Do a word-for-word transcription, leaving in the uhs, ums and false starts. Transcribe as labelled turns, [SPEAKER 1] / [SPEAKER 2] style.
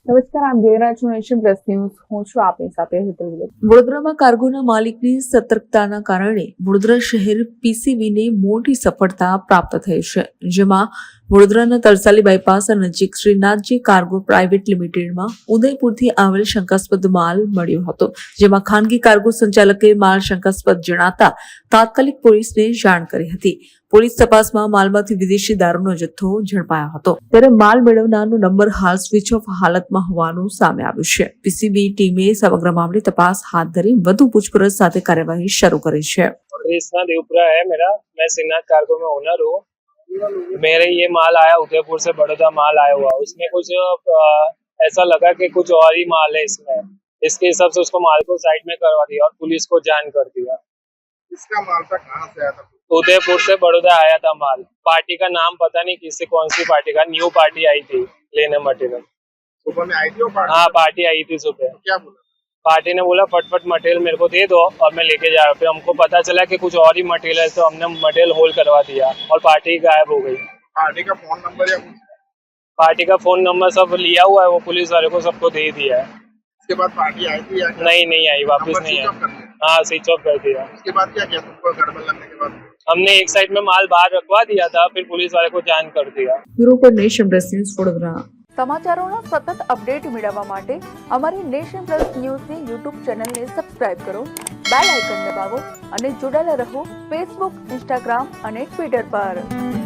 [SPEAKER 1] નમસ્કાર, આપ જોઈ રહ્યા છો નેશન પ્લસ ન્યૂઝ. હું છું આપની સાથે હેતલ વિગત.
[SPEAKER 2] વડોદરામાં કાર્ગોના માલિકની સતર્કતાના કારણે વડોદરા શહેર પીસીબીને મોટી સફળતા પ્રાપ્ત થઈ છે, જેમાં વડોદરાના તરસાલી બાયપાસ નજીક શ્રીનાથજી કાર્ગો પ્રાઇવેટ લિમિટેડમાં ઉદયપુરથી આવેલ શંકાસ્પદ માલ મળ્યો હતો, જેમાં ખાનગી કાર્ગો સંચાલકે માલ શંકાસ્પદ જણાતા તાત્કાલિક પોલીસને જાણ કરી હતી. પોલીસ તપાસમાં માલમાંથી વિદેશી દારૂનો જથ્થો ઝડપાયો હતો, ત્યારે માલ મેળવનારનો નંબર હાલ સ્વિચ ઓફ હાલતમાં હોવાનું સામે આવ્યું છે. પીસીબી ટીમે સમગ્ર મામલે તપાસ હાથ ધરી વધુ પૂછપરછ સાથે કાર્યવાહી શરૂ કરી છે.
[SPEAKER 3] कृष्णा देवपुरा है मेरा, मैं श्रीनाथ कार्गो में ओनर हूँ. मेरे ये माल आया उदयपुर से बड़ौदा माल आया हुआ, उसमें कुछ आ, ऐसा लगा कि कुछ और ही माल है इसमें. इसके हिसाब से उसको माल को साइड में करवा दिया और पुलिस को जान कर दिया.
[SPEAKER 4] इसका माल था कहाँ से आया था?
[SPEAKER 3] उदयपुर से बड़ौदा आया था माल. पार्टी का नाम पता नहीं किससे, कौन सी पार्टी का, न्यू पार्टी आई थी लेने मटेरियल.
[SPEAKER 4] सुबह में आई थी वो पार्टी?
[SPEAKER 3] हाँ, पार्टी आई थी सुबह.
[SPEAKER 4] क्या बोला?
[SPEAKER 3] पार्टी ने बोला फटफट मटेरियल मेरे को दे दो और मैं लेके जा रहा हूँ. फिर हमको पता चला कि कुछ और ही मटेरियल है, तो हमने मटेरियल होल्ड करवा दिया और पार्टी गायब हो गई.
[SPEAKER 4] पार्टी का फोन नंबर या कुछ?
[SPEAKER 3] पार्टी का फोन नंबर सब लिया हुआ है, वो पुलिस वाले को सबको दे दिया है.
[SPEAKER 4] उसके बाद पार्टी आई थी या क्या?
[SPEAKER 3] नहीं नहीं आई, वापस
[SPEAKER 4] नंबर
[SPEAKER 3] नहीं
[SPEAKER 4] स्विच ऑफ कर
[SPEAKER 3] आई.
[SPEAKER 4] दिया?
[SPEAKER 3] हाँ, स्विच ऑफ कर दिया.
[SPEAKER 4] उसके बाद क्या किया तुमको गड़बड़ लगने के बाद?
[SPEAKER 3] हमने एक साइड में माल बाहर रखवा दिया था, फिर पुलिस वाले को जान कर दिया.
[SPEAKER 2] બ્યુરો પર નેશન પ્લસ ન્યૂઝ વડોદરા.
[SPEAKER 5] સમાચારોના સતત અપડેટ મેળવવા માટે અમારી નેશન પ્લસ ન્યૂઝની યુટ્યુબ ચેનલને સબસ્ક્રાઇબ કરો, બેલ આઇકન દબાવો અને જોડાયેલા રહો ફેસબુક, ઇન્સ્ટાગ્રામ અને ટ્વિટર પર.